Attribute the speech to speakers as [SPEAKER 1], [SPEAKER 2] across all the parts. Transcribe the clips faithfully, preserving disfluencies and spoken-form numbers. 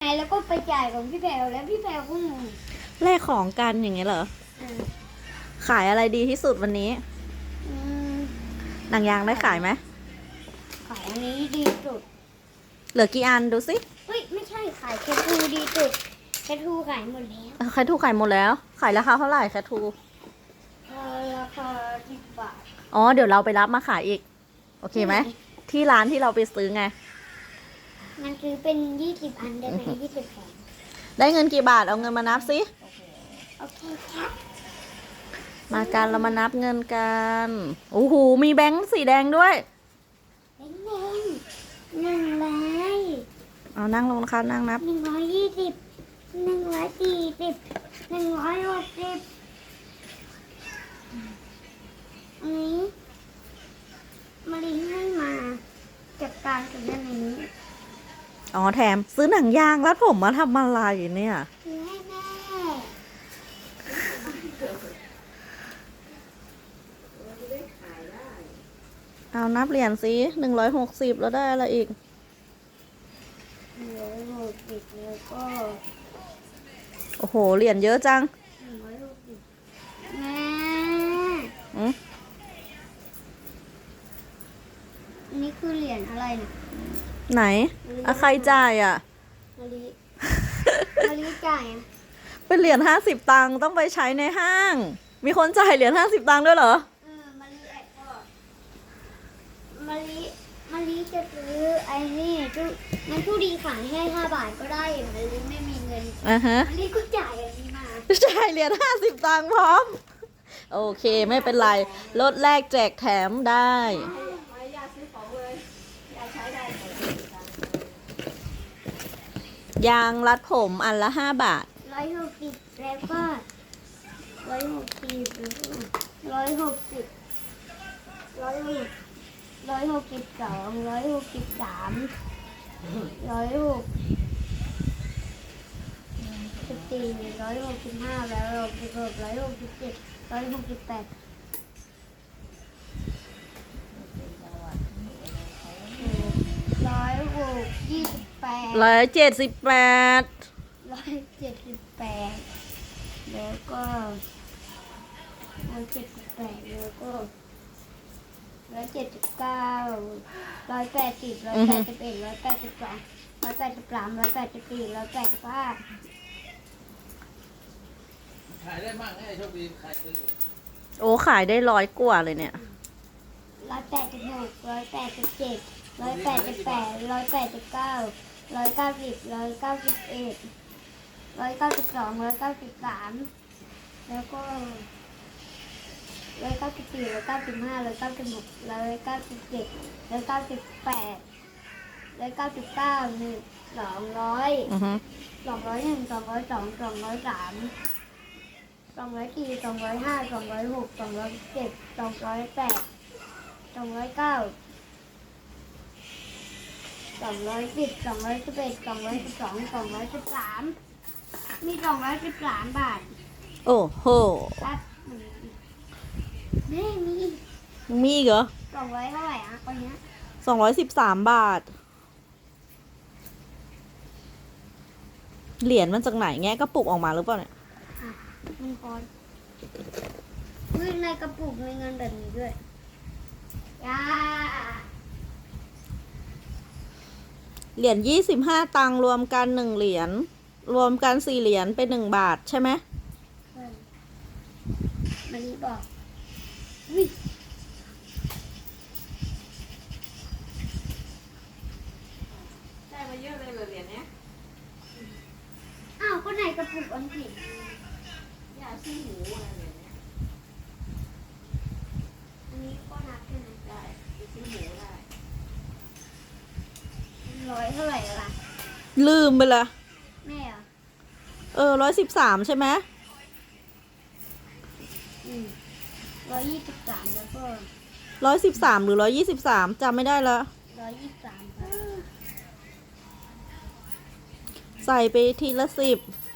[SPEAKER 1] แล้วก็ไปจ่ายของพี่แพรวแล้วพี่แพรวก็งง
[SPEAKER 2] แลกของกันอย่างเงี้ยเหรอ
[SPEAKER 1] อ่า
[SPEAKER 2] ขายอะไรดีที่สุดวันนี้
[SPEAKER 1] อืม
[SPEAKER 2] หนังยางได้ขายไหม
[SPEAKER 1] ขายอันนี้ดีสุด
[SPEAKER 2] เหลือกี่อันดูสิ
[SPEAKER 1] เฮ้ยไม่ใช่ขายแคทูดีสุดแคทูขายหมดแล้ว
[SPEAKER 2] แคทูขายหมดแล้ว ขายราคาเท่าไหร่แคทู
[SPEAKER 1] เออราคาสิบบาท
[SPEAKER 2] อ๋อเดี๋ยวเราไปรับมาขายอีก โอเคไหม ที่ร้านที่เราไปซื้อไง
[SPEAKER 1] มันซื้อเป็นยี่สิบอันได้ไหมยี่สิบแผง
[SPEAKER 2] ได้เงินกี่บาทเอาเงินมานับสิ
[SPEAKER 1] โอเคครับ
[SPEAKER 2] มากันเรามานับเงินกันโอ้โหมีแบงค์สีแดงด้วย
[SPEAKER 1] เป็นเงินหนึ่งร้อย
[SPEAKER 2] เอานั่งลงนะคะนั่งนับ
[SPEAKER 1] หนึ่งร้อยยี่สิบหนึ่งร้อยสี่สิบหนึ่งร้อยหกสิบอันนี้มาลินให้มาจัดการกับเรื่องนี้
[SPEAKER 2] อ๋อแถมซื้อหนังยางรัดผมมาทำอะไรเนี่ย
[SPEAKER 1] ซื้อให้แม่
[SPEAKER 2] เอานับเหรียญสิหนึ่งร้อยหกสิบแล้วได้อะไรอีก
[SPEAKER 1] หนึ่งร้อยหกสิบแล้วก็
[SPEAKER 2] โอ้โหเหรียญเยอะจัง
[SPEAKER 1] หนึ่งร้อยหกสิบแม่
[SPEAKER 2] อืม
[SPEAKER 1] อันนี้คือเหรียญอะไรเนี่ย
[SPEAKER 2] ไหนอะใครจ่ายอ่ะ
[SPEAKER 1] มาลิมาลิจ่ายอ่ะ
[SPEAKER 2] เป็นเหรียญห้าสิบตังค์ต้องไปใช้ในห้าง มีคนจ่ายเหรียญห้าสิบตังค์ด้วยเหรอ
[SPEAKER 1] เออมาลิแอบก่อนมาลิมาลิจะซื้อไอ้นี่ทุมันผู้ดีขายให้ห้าบาทก็ได้มาลิไม่มีเงิน
[SPEAKER 2] อ่าฮะ
[SPEAKER 1] มาลิก็จ่ายอันนี้มา
[SPEAKER 2] จ่ายเหรียญห้าสิบตังค์พร้อม โอเคไม่เป็นไรลดแลกแจกแถมได้ ยางรัดผมอันละห้าบาท
[SPEAKER 1] ร้อยหกสิบแล้วก็ร้อยหกสิบร้อยหกสิบร้อยหกร้อยหกสิบสองร้อยหกสิบสามร้อยหกสิบสี่ร้อยหกสิบห้าร้อยหกสิบหกร้อยหกสิบเจ็ดร้อยหกสิบแปดร้อยหกยี่สิบแปด
[SPEAKER 2] ร้อยเจ็ดสิบแปด
[SPEAKER 1] ร้อยเจ็ดสิบแปดแล้วก็ร้อยเจ็ดสิบแปดแล้วก็ร้อยเจ็ดสิบเก้าร้อยแปดสิบร้อยแปดสิบเอ็ดร้อยแปดสิบสองร้อยแปดสิบสามร้อยแปดสิบสี่ร้อยแปดสิบห้า
[SPEAKER 3] ขายได้มากนะไอ้โชคดีขายซื้ออยู่
[SPEAKER 2] โอ้ขายได้ร้อยกว่าเลยเนี่ย
[SPEAKER 1] ร้อยแปดสิบหกร้อยแปดสิบเจ็ดร้อยแปดสิบแปดร้อยแปดสิบเก้าร้อยเก้าสิบร้อยเก้าสิบเอ็ดร้อยเก้าสิบสองร้อยเก้าสิบสามแล้วก็ร้อยเก้าสิบสี่ร้อยเก้าสิบห้าร้อยเก้าสิบหกร้อยเก้าสิบเจ็ดร้อยเก้าสิบแปดร้อยเก้าสิบเก้าหนึ่งสองร้อย
[SPEAKER 2] อือฮึ
[SPEAKER 1] สองร้อยหนึ่งสองร้อยสองสองร้อยสามสองร้อยสี่สองร้อยห้าสองร้อยหกสองร้อยเจ็ดสองร้อยแปดสองร้อยเก้าสองร้อยสิบสองร้อยสิบเอ็ดสองร้อยสิบสองสองร้อยสิบสามมีสองร้อยสิบสามบาท
[SPEAKER 2] โอ้โห
[SPEAKER 1] ครับนี่มี
[SPEAKER 2] มีอีกเหรอ
[SPEAKER 1] สองร้อยเท่าไหร่อ่ะคนเนี้ย
[SPEAKER 2] สองร้อยสิบสามบาท เหรียญมันจากไหนแงะกระปุกออกมาหรือเปล่าเนี่ย
[SPEAKER 1] อ่ะมันคอนวิ่งในกระปุกมีเงินแบบนี้ด้วยย่า
[SPEAKER 2] เหรียญยี่สิบห้าตังค์รวมกันหนึ่งเหรียญ รวมกันสี่เหรียญเป็นหนึ่งบาทใช่ไหม
[SPEAKER 1] เฮ้ยมันนี่บอกวิ่ง
[SPEAKER 2] ได้มาเยอะเลยเหรียญเนี้ย
[SPEAKER 1] อ้าวก็ไหนกระปุกอันผิด
[SPEAKER 2] ยาชี้หูอะไรเหรียญเนี้ย
[SPEAKER 1] อันนี้ก็นับใช่ไหม
[SPEAKER 2] ได้ชี้หูได้
[SPEAKER 1] ร้อยเท่าไหร่ล่ะ
[SPEAKER 2] ลืมไปละ
[SPEAKER 1] แม่เหรอ
[SPEAKER 2] เออร้อยสิบสามใช่ไหม
[SPEAKER 1] อืมร้อยยี่สิบสามแล้วก็
[SPEAKER 2] ร้อยสิบสามหรือร้อยยี่สิบสามจำไม่ได้ละ
[SPEAKER 1] ร้อยยี่สิบสามครับ
[SPEAKER 2] ใส่ไปทีละสิบ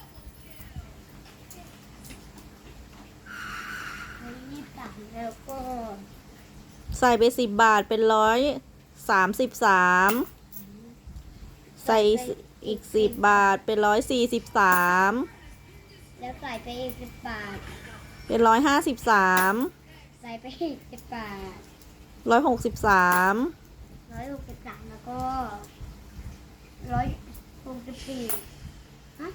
[SPEAKER 1] ร้อยยี่สิบสามแล้วก็
[SPEAKER 2] ใส่ไปสิบบาทเป็นร้อยสามสิบสามใส่อีกสิบบาทเป็นร้อยสี่สิบสาม
[SPEAKER 1] แล้วใส่ไปอีกสิบบาท
[SPEAKER 2] เป็นร้อยห้าสิบสาม
[SPEAKER 1] ใส่ไปอีกสิบบาท
[SPEAKER 2] ร้อยหกสิบสาม
[SPEAKER 1] ร้อยหกสิบสามแล้วก็ร้อยหกสิบสี่ฮะ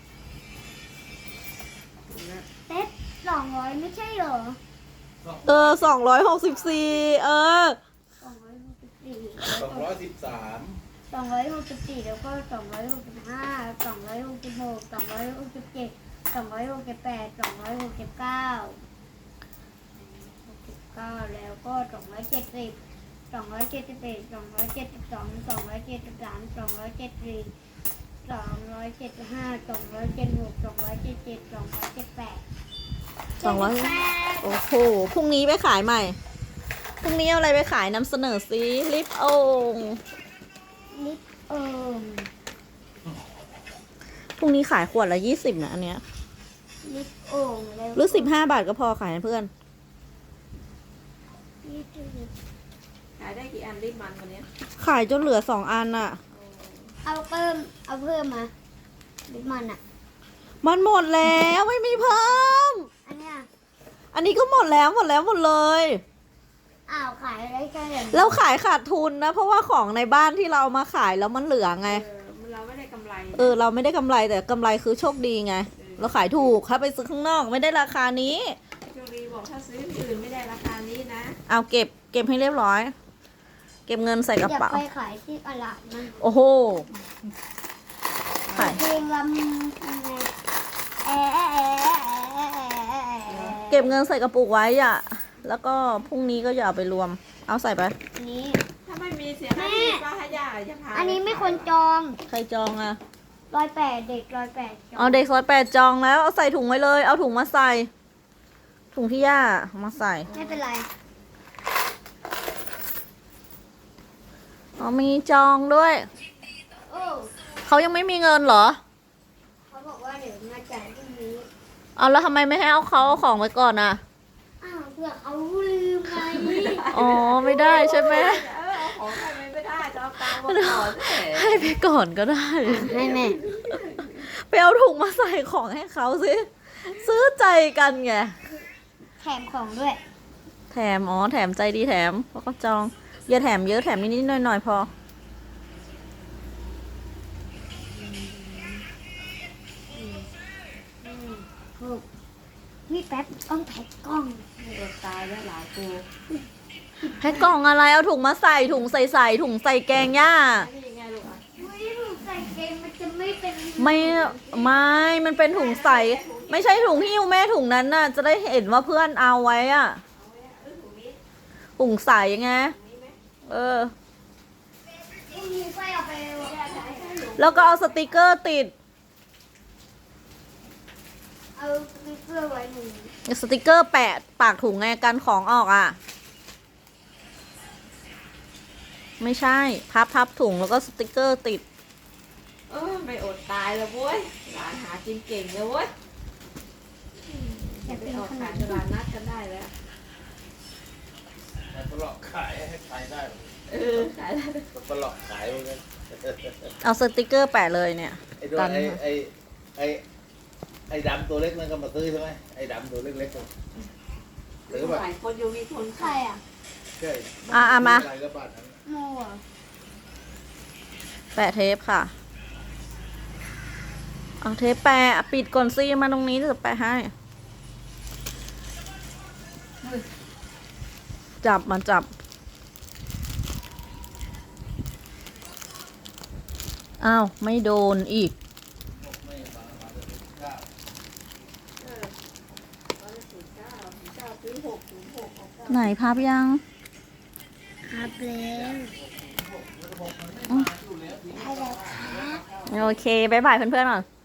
[SPEAKER 1] เต๊ดสองร้อยไม่ใช่เหรอ
[SPEAKER 2] เออสองร้อยหกสิบสี่เออ
[SPEAKER 1] สองร้อยหกสิบสี่
[SPEAKER 3] สองร้อยสิบสาม
[SPEAKER 1] สองร้อยหกสิบสี่แล้วก็สองร้อยหกสิบห้าสองร้อยหกสิบหกสองร้อยหกสิบเจ็ดสองร้อยหกสิบแปดสองร้อยหกสิบเก้าหกสิบเก้าแล้วก็สองร้อยเจ็ดสิบสองร้อยเจ็ดสิบเอ็ดสองร้อยเจ็ดสิบสองสองร้อยเจ็ดสิบสามสองร้อยเจ็ดสิบสี่สองร้อยเจ็ดสิบห้าสองร้อยเจ็ดสิบหกสองร้อยเจ็ดสิบเจ็ดสองร้อยเจ็ดสิบแปด
[SPEAKER 2] สองร้อย
[SPEAKER 1] เจ็ดสิบแปด
[SPEAKER 2] โอ้โหพรุ่งนี้ไปขายใหม่ พรุ่งนี้เอาอะไรไปขายนำเสนอซิลิปโอง
[SPEAKER 1] ลิปเอิม
[SPEAKER 2] พรุ่งนี้ขายขวดละยี่สิบนะอันเนี้ย
[SPEAKER 1] ลิปโอ่งแล้ว
[SPEAKER 2] หรือสิบห้าบาทก็พอขายให้เพื่อน
[SPEAKER 1] ลิปลิป
[SPEAKER 4] ขายได้กี่อันรีบมันวันนี้
[SPEAKER 2] ขายจนเหลือสองอันอะ
[SPEAKER 1] เอาเพิ่มเอาเพิ่มมาลิปมันอ่ะ
[SPEAKER 2] มันหมดแล้วไม่มีเพิ่ม
[SPEAKER 1] อันเนี้ย
[SPEAKER 2] อันนี้ก็หมดแล้วหมดแล้วหมดเลย
[SPEAKER 1] อ้าวขายได้แค่เดี๋ยวนี้
[SPEAKER 2] แล้วขายขาดทุนนะ เพราะว่าของในบ้านที่เราเอามาขายแล้วมันเหลือไง
[SPEAKER 4] เออเราไม่ได้กำไร
[SPEAKER 2] เออเราไม่ได้กำไรแต่กำไรคือโชคดีไง เราขายถูกถ้าไปซื้อข้างนอกไม่ได้ราคานี้
[SPEAKER 4] โจรีบอกถ้าซื้อที่อื่นไม่ได้ราคานี้นะ
[SPEAKER 2] เอาเก็บเก็บให้เรียบร้อย เก็บเงินใส่กระ
[SPEAKER 1] อยาก
[SPEAKER 2] เป๋า
[SPEAKER 1] ไปขายที่ตลาดมัน
[SPEAKER 2] โอ้โหขาย
[SPEAKER 1] เพลงลำแอะแอะแอะแอะแอะ
[SPEAKER 2] เก็บเงินใส่กระปุกไว้อ่ะ แล้วก็พรุ่งนี้ก็อย่าเอาไปรวม เอาใส่ไป
[SPEAKER 1] อันนี้
[SPEAKER 4] ถ้าไม่มีเสียหน้าที่ป้าให้ย่าจะพา
[SPEAKER 1] อันนี้ไม่ควรจอง
[SPEAKER 2] ใครจองอ่ะ
[SPEAKER 1] ร้อยแปดเด็กร้อยแปดจอง
[SPEAKER 2] เอาเด็กซอยแปดจองแล้วเอาใส่ถุงไว้เลย เอาถุงมาใส่ ถุงที่ย่าเอามาใส่
[SPEAKER 1] ไม่เป็นไร
[SPEAKER 2] อ๋อมีจองด้วย
[SPEAKER 1] โอ้
[SPEAKER 2] เขายังไม่มีเงินเหรอ
[SPEAKER 1] เขาบอกว่าเดี๋ยวมาจ่ายพรุ่งนี้
[SPEAKER 2] เอาแล้วทำไมไม่ให้เอาเขาเอาของไว้ก่อนอ่ะ
[SPEAKER 1] อ้าวเผื่อเขาลืมไง
[SPEAKER 2] อ๋อไม่ได้ใช่ไหม
[SPEAKER 4] เออเอาของใครไม่ได้จะเอาตังค์มาก่อนสิ
[SPEAKER 2] ให้ไปก่อนก็ได้
[SPEAKER 1] ให้แม่
[SPEAKER 2] ไปเอาถุงมาใส่ของให้เขาสิ ซื้อใจกันไง
[SPEAKER 1] แถมของด้วย
[SPEAKER 2] แถม อ๋อ แถมใจดีแถม เพราะเขาจอง อย่าแถมเยอะแถมนิดๆหน่อยๆพอ
[SPEAKER 1] ถูกนี่แป๊บต้องแพ็คกล้อง
[SPEAKER 4] อดตายแล้วหลายกู
[SPEAKER 2] แพ็คกล่องอะไร เอาถุงมาใส่ ถุงใส่ใส่ถุงใส่แกงย่า
[SPEAKER 4] นี่ยังไงลูกอ่ะ
[SPEAKER 1] ไม่ถูกใส่เกงมันจะไม่เป็น
[SPEAKER 2] ไม่ ไม่ มันเป็นถุงใส่ ไม่ใช่ถุงหิ้วแม่ถุงนั้นน่ะ จะได้เห็นว่าเพื่อนเอาไว้อะถุงใส่ไง เออ
[SPEAKER 1] พรุ่งนี้ค่อยเอาไป
[SPEAKER 2] แล้วก็เอาสติกเกอร์ติด
[SPEAKER 1] เอาสติ๊กเกอร์ไว้หนึ่ง
[SPEAKER 2] สติกเกอร์แปะปากถุงไงกันของออกอ่ะ ไม่ใช่ พับพับถุงแล้วก็สติกเกอร์ติด
[SPEAKER 4] เออไม่อดตายแล้วเว้ยหลานหากินเก่งเลยเว้ย
[SPEAKER 1] อยาก
[SPEAKER 4] ไป
[SPEAKER 1] เป็น
[SPEAKER 4] ออก
[SPEAKER 1] ขน
[SPEAKER 4] ขาย
[SPEAKER 1] ม
[SPEAKER 4] ตลาดนัดกันได้แล้ว
[SPEAKER 3] แต่ตลอดขายให้ใครได้
[SPEAKER 4] เออขายได้
[SPEAKER 3] ตลอดขายเหมือนกัน
[SPEAKER 2] เอาสติกเกอร์แปะเลยเนี่ย
[SPEAKER 3] ไอ้โดนไอ้ไอ้ไอ้ไอ้ดำตัวเล็กมันก็มาซื้อใช่ไหมไอ้ดำตัวเล็กๆหรือแบบ
[SPEAKER 4] หลายคนอยู่มีคน
[SPEAKER 1] ใคร
[SPEAKER 4] ขาย
[SPEAKER 1] อ่ะ
[SPEAKER 3] ใช่
[SPEAKER 2] อ่ะอ่ะมา
[SPEAKER 3] อะไรก็บ้านนั้น
[SPEAKER 1] โมอ่ะ
[SPEAKER 2] แปะเทปค่ะ เอาเทปแปะปิดก่อนซิมาตรงนี้จะแปะให้ จับมาจับ อ้าว ไม่โดนอีก
[SPEAKER 3] ไม่มามาจะถึงข้าว
[SPEAKER 4] เออร้อยสี่เก้าสี่เก้าซื้อหกศูนย์หกหกเก้า
[SPEAKER 2] ไหนพับยัง
[SPEAKER 1] ครับแล้วได้แล้วครับ
[SPEAKER 2] โอเค บ๊ายบายเพื่อนๆก่อน